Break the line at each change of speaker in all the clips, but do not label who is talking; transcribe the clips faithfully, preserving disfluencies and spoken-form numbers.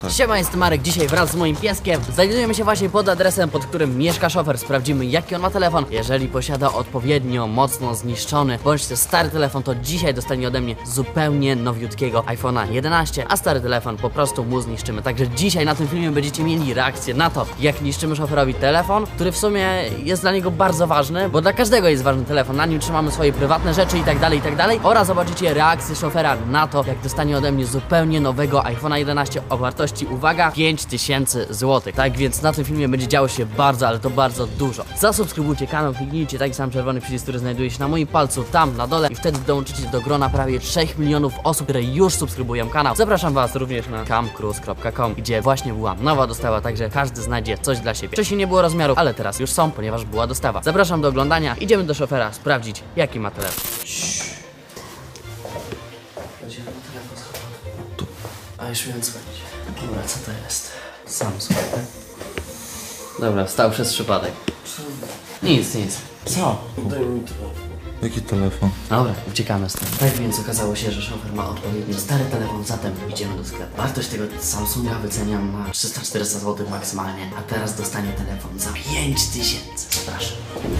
Tak.
Siema, jestem Marek, dzisiaj wraz z moim pieskiem znajdujemy się właśnie pod adresem, pod którym mieszka szofer. Sprawdzimy, jaki on ma telefon. Jeżeli posiada odpowiednio mocno zniszczony bądź też stary telefon, to dzisiaj dostanie ode mnie zupełnie nowiutkiego iPhone'a jedenaście, a stary telefon po prostu mu zniszczymy. Także dzisiaj na tym filmie będziecie mieli reakcję na to, jak niszczymy szoferowi telefon, który w sumie jest dla niego bardzo ważny, bo dla każdego jest ważny telefon. Na nim trzymamy swoje prywatne rzeczy i tak dalej, i tak dalej. Oraz zobaczycie reakcję szofera na to, jak dostanie ode mnie zupełnie nowego iPhone'a jedenaście o wartości, uwaga, pięć tysięcy złotych. Tak więc na tym filmie będzie działo się bardzo, ale to bardzo dużo. Zasubskrybujcie kanał, kliknijcie taki sam czerwony przycisk, który znajduje się na moim palcu tam na dole i wtedy dołączycie do grona prawie trzech milionów osób, które już subskrybują kanał. Zapraszam was również na camcruise kropka com, gdzie właśnie była nowa dostawa, także każdy znajdzie coś dla siebie. Wcześniej nie było rozmiarów, ale teraz już są, ponieważ była dostawa. Zapraszam do oglądania. Idziemy do szofera sprawdzić, jaki ma telefon. A już miałem dzwonić. Dobra, co to jest? Samsung, tak? Dobra, wstał przez przypadek. Nic, nic. Co?
Daj mi to. Jaki telefon?
Dobra, uciekamy stąd. Tak więc okazało się, że szofer ma odpowiednio stary telefon, zatem idziemy do sklepu. Wartość tego Samsunga wyceniam na trzysta czterysta złotych maksymalnie, a teraz dostanie telefon za pięć tysięcy. Zapraszam.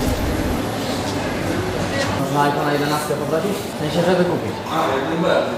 Można iPhone'a jedenaście poprosić? W sensie, żeby kupić.
A, jak najbardziej.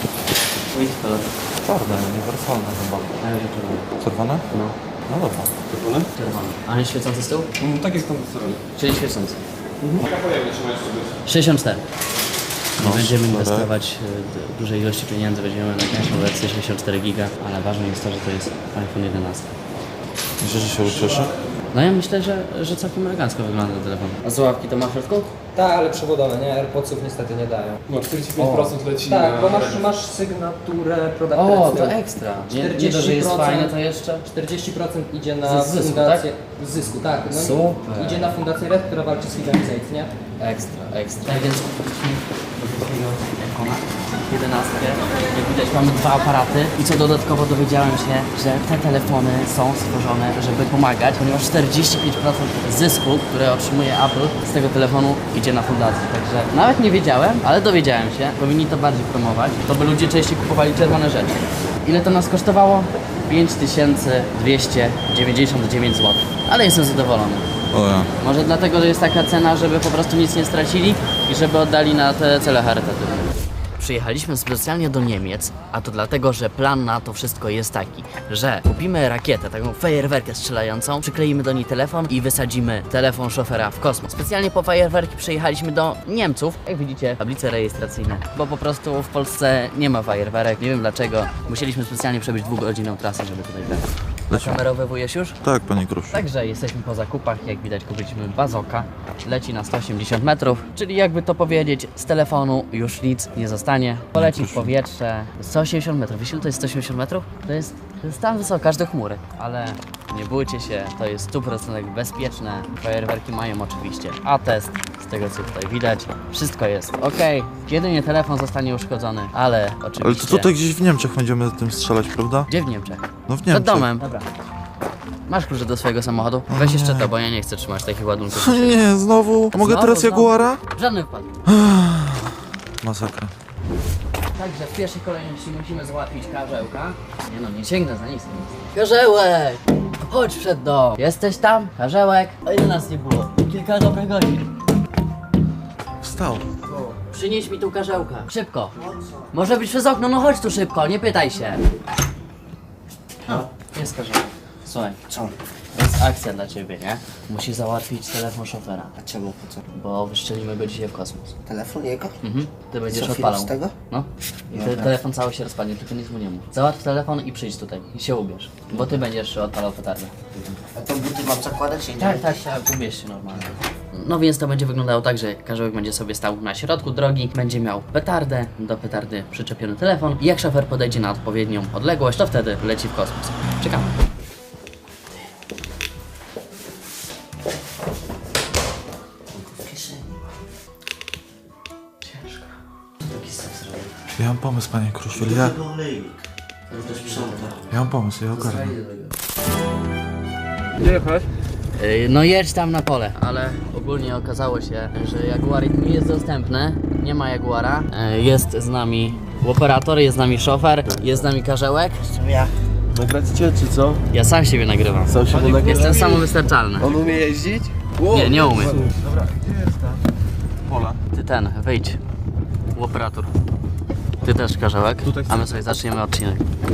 Which color?
Czarne, uniwersalne chyba.
A już czerwony.
Czerwone?
No.
No dobra. Czerwone?
Czerwony. A nie świecący z tyłu?
Mm, tak jest tam strony.
Czyli świecący.
Jaka pojemność ma jeszcze być?
sześćdziesiąt cztery. Nie
No,
będziemy
super.
inwestować y, dużej ilości pieniędzy, weźmiemy najtańszą wersję sześćdziesiąt cztery giga, ale ważne jest to, że to jest iPhone jedenaście.
Myślę, że się ucieszy?
No ja myślę, że, że całkiem elegancko wygląda ten telefon. A słuchawki to ma w środku?
Tak, ale przewodowe, nie? AirPodsów niestety nie dają.
No czterdzieści pięć procent leci
Tak,
na...
bo masz, masz sygnaturę product
O,
placement.
to ekstra. Nie, nie to, że jest fajne, to jeszcze...
czterdzieści procent idzie na
Z zysku,
fundację... Z zysku, tak. No,
Super.
Idzie na fundację Red, która walczy z Hidden Zate, nie?
Ekstra, ekstra. Tak więc kupiliśmy do drugiego iPhone'a jedenaście. Jak widać mamy dwa aparaty i co dodatkowo dowiedziałem się, że te telefony są stworzone, żeby pomagać, ponieważ czterdzieści pięć procent zysku, które otrzymuje Apple z tego telefonu idzie na fundację. Także nawet nie wiedziałem, ale dowiedziałem się, powinni to bardziej promować, to by ludzie częściej kupowali czerwone rzeczy. Ile to nas kosztowało? pięć tysięcy dwieście dziewięćdziesiąt dziewięć złotych, ale jestem zadowolony.
O ja.
Może dlatego, że jest taka cena, żeby po prostu nic nie stracili i żeby oddali na te cele charytatywne. Przyjechaliśmy specjalnie do Niemiec, a to dlatego, że plan na to wszystko jest taki, że kupimy rakietę, taką fajerwerkę strzelającą, przykleimy do niej telefon i wysadzimy telefon szofera w kosmos. Specjalnie po fajerwerki przyjechaliśmy do Niemców, jak widzicie, tablice rejestracyjne, bo po prostu w Polsce nie ma fajerwerek, nie wiem dlaczego. Musieliśmy specjalnie przebyć dwugodzinną trasę, żeby tutaj grać. Kamerowywujesz już?
Tak, panie Krusz.
Także jesteśmy po zakupach, jak widać kupiliśmy bazooka, leci na sto osiemdziesiąt metrów, czyli jakby to powiedzieć, z telefonu już nic nie zostanie, poleci w powietrze, sto osiemdziesiąt metrów, wiesz ile to jest sto osiemdziesiąt metrów? To jest, to jest tam wysoko, aż do chmury, ale nie bójcie się, to jest sto procent bezpieczne, fajerwerki mają oczywiście atest, z tego co tutaj widać, wszystko jest ok, jedynie telefon zostanie uszkodzony, ale oczywiście...
Ale to tutaj gdzieś w Niemczech będziemy tym strzelać, prawda?
Gdzie w Niemczech?
No w
Przed
Niemczech.
domem. Dobra. Masz klucze do swojego samochodu? Weź jeszcze to, bo ja nie chcę trzymać takich ładunków.
Nie, znowu. A mogę
Znowu,
teraz
znowu.
Jaguara?
W żadnym wypadku.
Masakra.
Także w pierwszej kolejności musimy załatwić karzełka. Nie no, nie sięgnę za nic. Karzełek! Chodź przed dom. Jesteś tam? Karzełek? A ile nas nie było? Kilka dobrych godzin.
Wstał.
Przynieś mi tu karzełka. Szybko. Może być przez okno, no chodź tu szybko, nie pytaj się. No, jest karzełek. Słuchaj, co? To jest akcja dla ciebie, nie? Musisz załatwić telefon szofera.
A czemu, po co?
Bo wyszczelimy go dzisiaj w kosmos.
Telefon jego?
Mhm. Ty będziesz
Co,
odpalał.
film z tego?
No. I te, telefon cały się rozpadnie, tylko nic mu nie mów. Załatw telefon i przyjdź tutaj. I się ubierz. Bo ty będziesz odpalał petardę.
A to buty mam zakładać? Nie?
Tak, tak, tak, ubierz się normalnie. No więc to będzie wyglądało tak, że karzełek będzie sobie stał na środku drogi, będzie miał petardę, do petardy przyczepiony telefon i jak szofer podejdzie na odpowiednią odległość, to wtedy leci w kosmos. Czekamy.
W kieszeni.
Ciężko. Taki sens zrobił.
Ja mam pomysł, panie Krusz. Ja,
Tego olejnik. To też sprząta.
ja mam pomysł, ja ogarnę.
Gdzie jechać?
Yy, No jedź tam na pole, ale ogólnie okazało się, że Jaguarik nie jest dostępny, nie ma Jaguara. Yy, Jest z nami operator, jest z nami szofer, jest z nami karzełek.
Jestem ja.
Nagracie czy co?
Ja sam siebie nagrywam.
Sam się nagrywa.
Jestem samowystarczalny.
On umie jeździć? Wow.
Nie, nie umiem.
Dobra, gdzie jest ta? Pola.
Ty ten, wyjdź. U operator. Ty też, Karzełek.
Tutaj
A my sobie zaczniemy odcinek.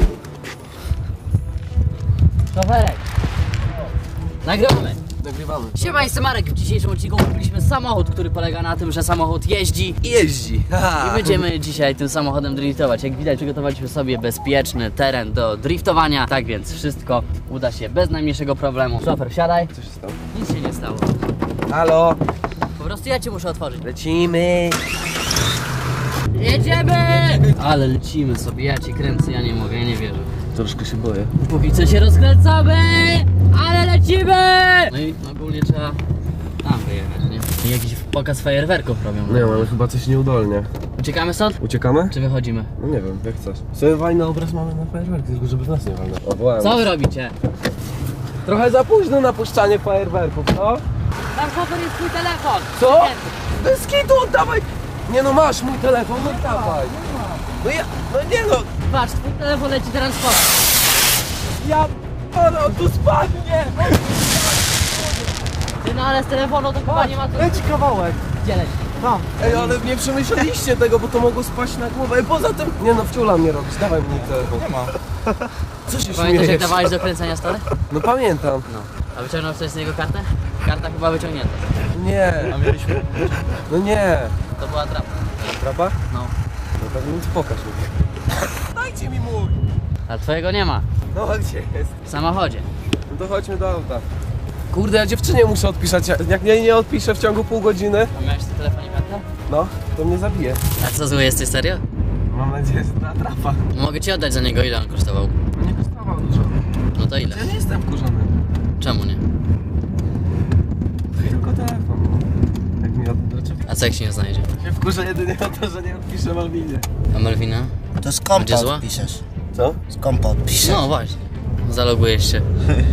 Szoferek! Nagrywamy!
Nagrywamy.
Siema, jestem Marek. W dzisiejszym odcinku kupiliśmy samochód, który polega na tym, że samochód jeździ
I jeździ.
i będziemy dzisiaj tym samochodem driftować. Jak widać, przygotowaliśmy sobie bezpieczny teren do driftowania. Tak więc wszystko uda się bez najmniejszego problemu. Szofer, wsiadaj.
Co się stało?
Nic się nie stało.
Halo,
Po prostu ja cię muszę otworzyć.
lecimy.
Jedziemy! Ale lecimy sobie, ja cię kręcę, ja nie mogę, ja nie wierzę.
Troszkę się boję.
Póki co się rozkręcamy, ale lecimy! No i ogólnie trzeba tam wyjechać, nie? I jakiś pokaz fajerwerków robią.
No ja mamy chyba coś nieudolnie.
Uciekamy stąd?
Uciekamy?
Czy wychodzimy?
No nie wiem, jak chcesz. Sobie walny obraz mamy na fajerwerki, tylko żeby w nas nie walnął. O, wołałem.
Co wy robicie?
Trochę za późno na puszczanie fajerwerków, co?
Tam szofer jest twój telefon!
Co? Bez kitu, oddawaj! Nie no, masz mój telefon, no dawaj. No ja, no nie no,
Patrz, twój telefon leci teraz w kosmos.
ja, ale on tu spadnie!
Ty no ale z telefonu to chyba nie ma co...
Leci kawałek.
Gdzie leci?
Tam. Ej, ale nie przemyśleliście tego, bo to mogło spaść na głowę. Ej, poza tym, nie no, wciula mnie robić, dawaj mi telefon.
Nie ma.
Co się
Pamiętasz jak
śmiejesz?
dawałeś do kręcenia stole?
No pamiętam.
No. A wyciągnął coś z niego kartę? Karta chyba wyciągnięta.
Nie,
A mieliśmy?
no nie.
To była trapa.
Trapa?
No.
No tak więc pokaż mi. Dajcie mi mój!
A twojego nie ma.
No a gdzie jest?
W samochodzie.
No to chodźmy do auta. Kurde, ja dziewczynie muszę odpisać. Jak mnie nie odpiszę w ciągu pół godziny,
A miałeś w tym telefonie kartę?
no, to mnie zabije.
A co zły jesteś, serio?
Mam nadzieję, że ta trapa.
Mogę ci oddać za niego, ile on kosztował?
No nie kosztował dużo.
No to ile?
Ja nie jestem wkurzony.
Czemu nie?
Tylko telefon. Jak mi od... Dlaczego?
A co jak się nie znajdzie?
Się wkurzę jedynie o to, że nie odpiszę Malwinie.
A Melwina?
To z kompa
Będzie zła?
odpiszesz.
Co?
Z kompa odpiszesz.
No właśnie. Zalogujesz się.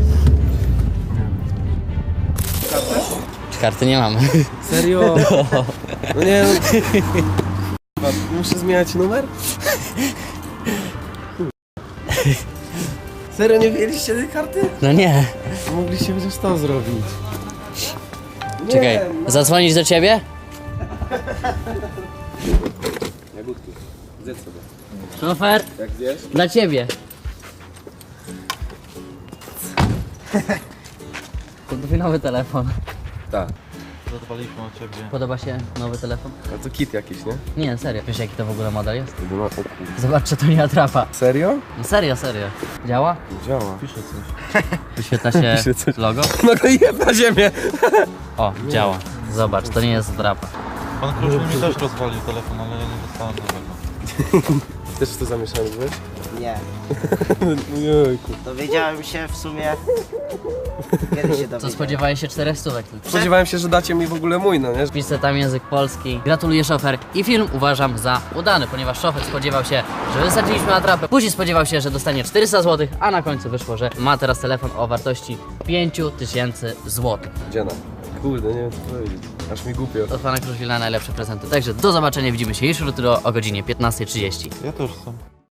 Karty nie mamy.
Serio? No nie no. Muszę zmieniać numer? Serio, nie wzięliście tej karty?
No nie.
Mogliście chociaż to zrobić. Nie,
Czekaj,
no.
zadzwonić do ciebie?
Jagódki, zjedz sobie.
Szofer,
Jak zjesz?
dla ciebie. To twój nowy telefon.
Tak.
Zadbaliśmy o ciebie.
Podoba się nowy telefon?
A to kit jakiś, nie?
Nie, serio. Wiesz jaki to w ogóle model jest?
To no, o kur...
Zobacz, czy to nie atrapa.
Serio?
No serio, serio. Działa?
Działa.
Piszę coś.
Wyświetla się
Pisze coś.
logo?
No to jeb na ziemię!
O, działa. Zobacz, to nie jest atrapa.
Pan Kruszwil mi też rozwalił telefon, ale ja nie dostałem nowego.
Też w to zamieszany byłeś?
Nie.
Jejku.
Dowiedziałem się w sumie. Kiedy się
Co,
dowiedziałem?
spodziewałeś się czterech stówek tylko?
Spodziewałem się, że dacie mi w ogóle mój, no nie?
Wpiszę tam język polski. Gratuluję, szofer. I film uważam za udany, ponieważ szofer spodziewał się, że wysadziliśmy atrapę. Później spodziewał się, że dostanie czterysta złotych, a na końcu wyszło, że ma teraz telefon o wartości pięć tysięcy złotych.
Dziena. Kurde, nie wiem co powiedzieć. Aż mi głupio.
Od pana Kruszwila najlepsze prezenty. Także do zobaczenia, widzimy się już jutro o godzinie piętnastej trzydzieści.
Ja też chcę.